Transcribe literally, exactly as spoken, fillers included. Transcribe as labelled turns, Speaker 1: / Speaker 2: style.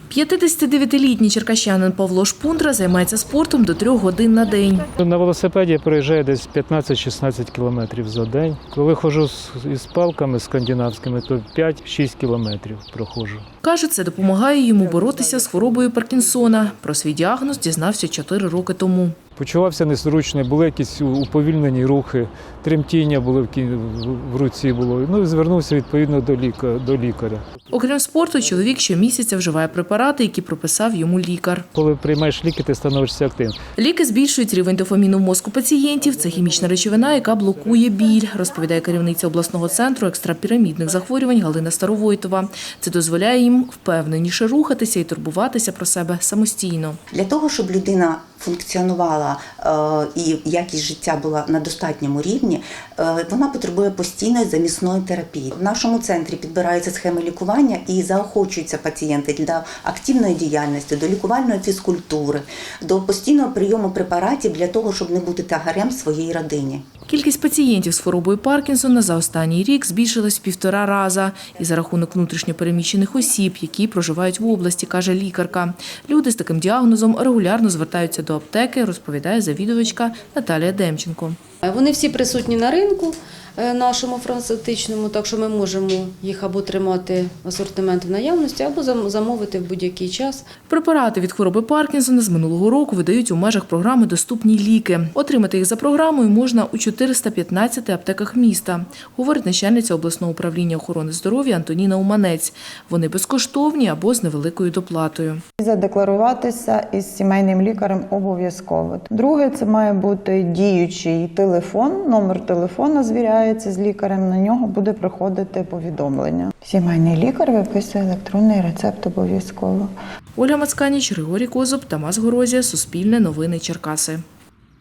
Speaker 1: п'ятдесятидев'ятилітній черкащанин Павло Шпундра займається спортом до трьох годин на день.
Speaker 2: На велосипеді я проїжджаю десь п'ятнадцять-шістнадцять кілометрів за день. Коли ходжу із палками скандинавськими, то п'ять-шість кілометрів проходжу.
Speaker 1: Каже, це допомагає йому боротися з хворобою Паркінсона. Про свій діагноз дізнався чотири роки тому.
Speaker 2: Почувався незручно, були якісь уповільнені рухи, тремтіння було в, кі... в руці було. Ну і звернувся відповідно до, ліка... до лікаря.
Speaker 1: Окрім спорту, чоловік щомісяця вживає препарати, які прописав йому лікар.
Speaker 2: Коли приймаєш ліки, ти становишся активним.
Speaker 1: Ліки збільшують рівень дофаміну в мозку пацієнтів. Це хімічна речовина, яка блокує біль, розповідає керівниця обласного центру екстрапірамідних захворювань Галина Старовойтова. Це дозволяє їм впевненіше рухатися і турбуватися про себе самостійно.
Speaker 3: Для того, щоб людина функціонувала і якість життя була на достатньому рівні, вона потребує постійної замісної терапії. В нашому центрі підбираються схеми лікування і заохочуються пацієнти для активної діяльності, до лікувальної фізкультури, до постійного прийому препаратів для того, щоб не бути тягарем своїй родині.
Speaker 1: Кількість пацієнтів з хворобою Паркінсона за останній рік збільшилась в півтора раза. І за рахунок внутрішньопереміщених осіб, які проживають в області, каже лікарка. Люди з таким діагнозом регулярно звертаються до аптеки, розповідає завідувачка Наталія Демченко.
Speaker 4: Вони всі присутні на ринку нашому фармацевтичному, так що ми можемо їх або тримати асортимент в наявності, або замовити в будь-який час.
Speaker 1: Препарати від хвороби Паркінсона з минулого року видають у межах програми «Доступні ліки». Отримати їх за програмою можна у чотириста п'ятнадцяти аптеках міста, говорить начальниця обласного управління охорони здоров'я Антоніна Уманець. Вони безкоштовні або з невеликою доплатою.
Speaker 5: Задекларуватися із сімейним лікарем обов'язково. Друге, це має бути діючий телефон, номер телефону звіряється з лікарем, на нього буде приходити повідомлення. Сімейний лікар виписує електронний рецепт обов'язково.
Speaker 1: Ольга Мацканіч, Григорій Козуб, Тамас Горозія, Суспільне новини Черкаси.